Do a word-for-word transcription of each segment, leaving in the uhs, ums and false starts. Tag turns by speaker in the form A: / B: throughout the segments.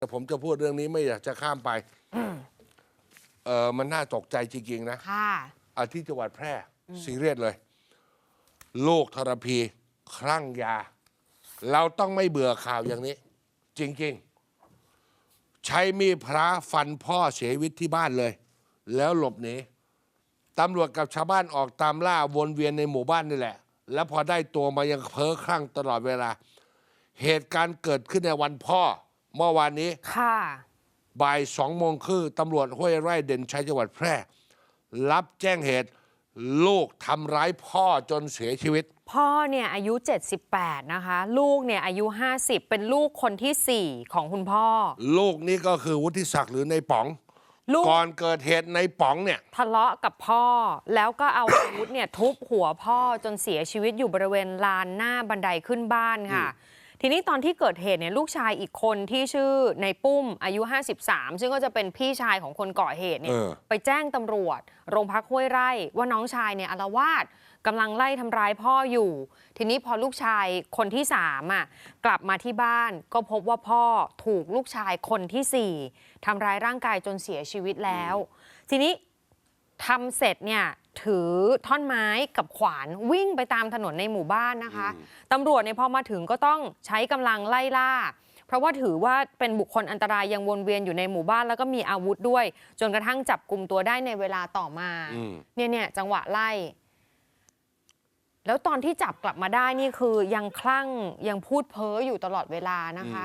A: ผมจะพูดเรื่องนี้ไม่อยากจะข้ามไปเออมันน่าตกใจจริงๆนะ
B: ค่ะ
A: อาที่จังหวัดแพร่ซีเรียสเลยลูกทรพีคลั่งยา เราต้องไม่เบื่อข่าวอย่างนี้ จริงๆ ใช้มีดพระฟันพ่อเสียชีวิตที่บ้านเลย แล้วหลบหนีตำรวจกับชาวบ้านออกตามล่าวนเวียนในหมู่บ้านนี่แหละ แล้วพอได้ตัวมายังเพ้อคลั่งตลอดเวลา เหตุการณ์เกิดขึ้นในวันพ่อเมื่อวานนี้
B: ค่ะ
A: บ่ายสองโมงครึ่งตำรวจห้วยไร่เด่นชัยจังหวัดแพร่ รับแจ้งเหตุลูกทำร้ายพ่อจนเสียชีวิต
B: พ่อเนี่ยอายุเจ็ดสิบแปดนะคะลูกเนี่ยอายุห้าสิบเป็นลูกคนที่สี่ของคุณพ่อ
A: ลูกนี่ก็คือวุฒิศักดิ์หรือในป๋องก่อนเกิดเหตุในป๋องเนี่ย
B: ทะเลาะกับพ่อแล้วก็เอาอาวุธเนี่ยทุบหัวพ่อจนเสียชีวิตอยู่บริเวณลานหน้าบันไดขึ้นบ้านค่ะทีนี้ตอนที่เกิดเหตุเนี่ยลูกชายอีกคนที่ชื่อในปุ้มอายุห้าสิบสามซึ่งก็จะเป็นพี่ชายของคนก่อเหตุเนี่ยไปแจ้งตำรวจโรงพักห้วยไร่ว่าน้องชายเนี่ยอาละวาดกำลังไล่ทำร้ายพ่ออยู่ทีนี้พอลูกชายคนที่สามอ่ะกลับมาที่บ้านก็พบว่าพ่อถูกลูกชายคนที่สี่ทำร้ายร่างกายจนเสียชีวิตแล้วทีนี้ทำเสร็จเนี่ยถือท่อนไม้กับขวานวิ่งไปตามถนนในหมู่บ้านนะคะตำรวจเนี่ยพอมาถึงก็ต้องใช้กำลังไล่ล่าเพราะว่าถือว่าเป็นบุคคลอันตรายยังวนเวียนอยู่ในหมู่บ้านแล้วก็มีอาวุธด้วยจนกระทั่งจับกลุ่มตัวได้ในเวลาต่อมาเนี่ยเนี่ยจังหวะไล่แล้วตอนที่จับกลับมาได้นี่คือยังคลั่งยังพูดเพ้ออยู่ตลอดเวลานะคะ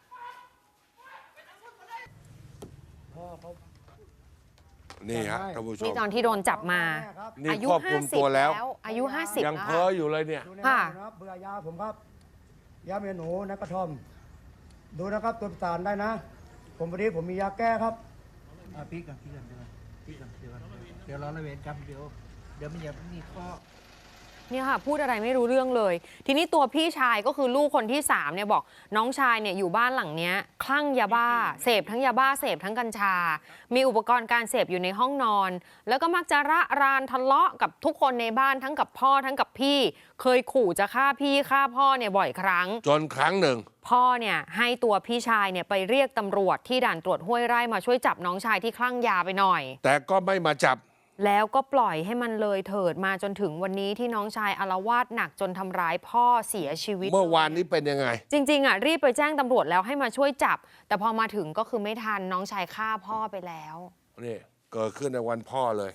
A: นี่ฮะท่านผู้ชม
B: นี่ตอนที่โดนจับมา
A: อายุห้าสิบแล้ว
B: อายุห้าสิบ
A: ยังเพ้ออยู่เลยเนี่ย
B: ค่ะ
C: เบื่อยาผมครับยาเมียหนูนักกระท่อมดูนะครับตัวประสานได้นะผมวันนี้ผมมียาแก้ครับ
D: พี่กันพี่กันเดี๋ยวพี่กันเดี๋ยวเดี๋ยวรอระเวนกันเดี๋ยวเดี๋ยวมันอย่ามีข้อ
B: เนี่ยค่ะพูดอะไรไม่รู้เรื่องเลยทีนี้ตัวพี่ชายก็คือลูกคนที่สามเนี่ยบอกน้องชายเนี่ยอยู่บ้านหลังเนี้ยคลั่งยาบ้าเสพทั้งยาบ้าเสพทั้งกัญชามีอุปกรณ์การเสพอยู่ในห้องนอนแล้วก็มักจะระรานทะเลาะกับทุกคนในบ้านทั้งกับพ่อทั้งกับพี่เคยขู่จะฆ่าพี่ฆ่าพ่อเนี่ยบ่อยครั้ง
A: จนครั้งหนึ่ง
B: พ่อเนี่ยให้ตัวพี่ชายเนี่ยไปเรียกตำรวจที่ด่านตรวจห้วยไร่มาช่วยจับน้องชายที่คลั่งยาไปหน่อย
A: แต่ก็ไม่มาจับ
B: แล้วก็ปล่อยให้มันเลยเถิดมาจนถึงวันนี้ที่น้องชายอาละวาดหนักจนทำร้ายพ่อเสียชีวิต
A: เมื่อวานนี้เป็นยังไง
B: จริงๆอ่ะรีบไปแจ้งตำรวจแล้วให้มาช่วยจับแต่พอมาถึงก็คือไม่ทันน้องชายฆ่าพ่อไปแล้ว
A: นี่เกิดขึ้นในวันพ่อเลย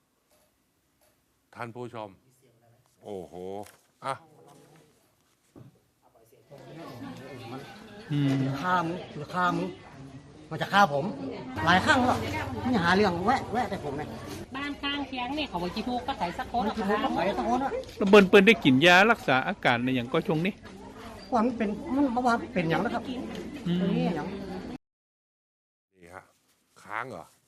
A: ท่านผู้ชมโอ้โหอ่ะ
C: ฆ่ามึงหรือฆ่ามึงมันจะฆ่าผมหลายครั้งแล้วนี่หาเรื่องแวะแวะแต่ผมเนี่ย
E: บ้านข้างเคียงนี่เขาบอกจีทูก็ใส่สักคน
C: จีทูก็ใส่สักคนอะ
F: แล้วเบิ้ลเปิ้ลได้กินยารักษาอาการในอย่างก็ช่วงนี้
C: ว่ามันเป็นมันเมื่อวานเป็นอย่างนะครับ
A: นี่ฮะค้างเหรอ